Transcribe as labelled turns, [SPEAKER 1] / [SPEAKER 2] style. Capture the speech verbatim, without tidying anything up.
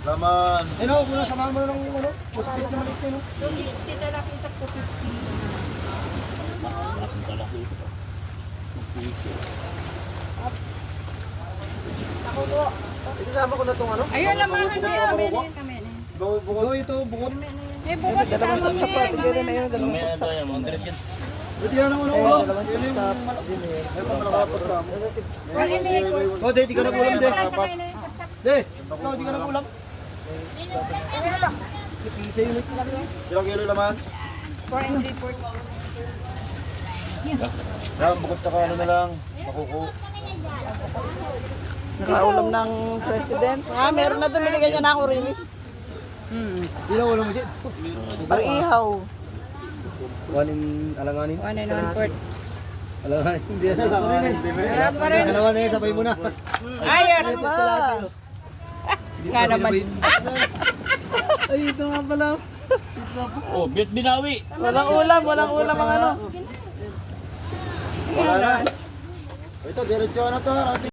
[SPEAKER 1] Laman.
[SPEAKER 2] Eh no, kung samahan mo na ng ano, puspit na maliit eh no.
[SPEAKER 3] Yung sixty na nakita ko fifty.
[SPEAKER 4] Asan pala ito? Magpiso.
[SPEAKER 3] Ako po.
[SPEAKER 2] Ito sama ko na tong ano.
[SPEAKER 3] Ayun naman, kami kami kami.
[SPEAKER 2] Bukod ito, bukod.
[SPEAKER 3] Eh, bukod sa amin.
[SPEAKER 4] Mamaya na tayo, mga ganyan.
[SPEAKER 2] Ito yan ang ulo. Yan yung malaki. May pamalakapos na. Oh, di, di ka na kulang, di. Di, ikaw, di ka na kulang. Ilang kilo laman?
[SPEAKER 3] four and three fourths.
[SPEAKER 1] Yan, bukod tsaka ano na lang. Makuku.
[SPEAKER 5] Nakaulam ng president. Ah, meron na doon. Binigyan niya na ako release.
[SPEAKER 2] Hmm. Ilang ulo mo dyan?
[SPEAKER 5] Pang ihaw.
[SPEAKER 2] One in alanganin.
[SPEAKER 3] One and one fourth.
[SPEAKER 2] Alanganin. Hindi na alanganin.
[SPEAKER 3] Wala pa rin.
[SPEAKER 2] Dalawa na yun, sabay mo na.
[SPEAKER 3] Ayun.
[SPEAKER 5] Diba?
[SPEAKER 3] Nga naman.
[SPEAKER 2] Ay, ito nga pala.
[SPEAKER 4] Oh, bit binawi.
[SPEAKER 5] Walang ulam, walang ulam ang ano.
[SPEAKER 1] Wala na. Ito, diretso na to.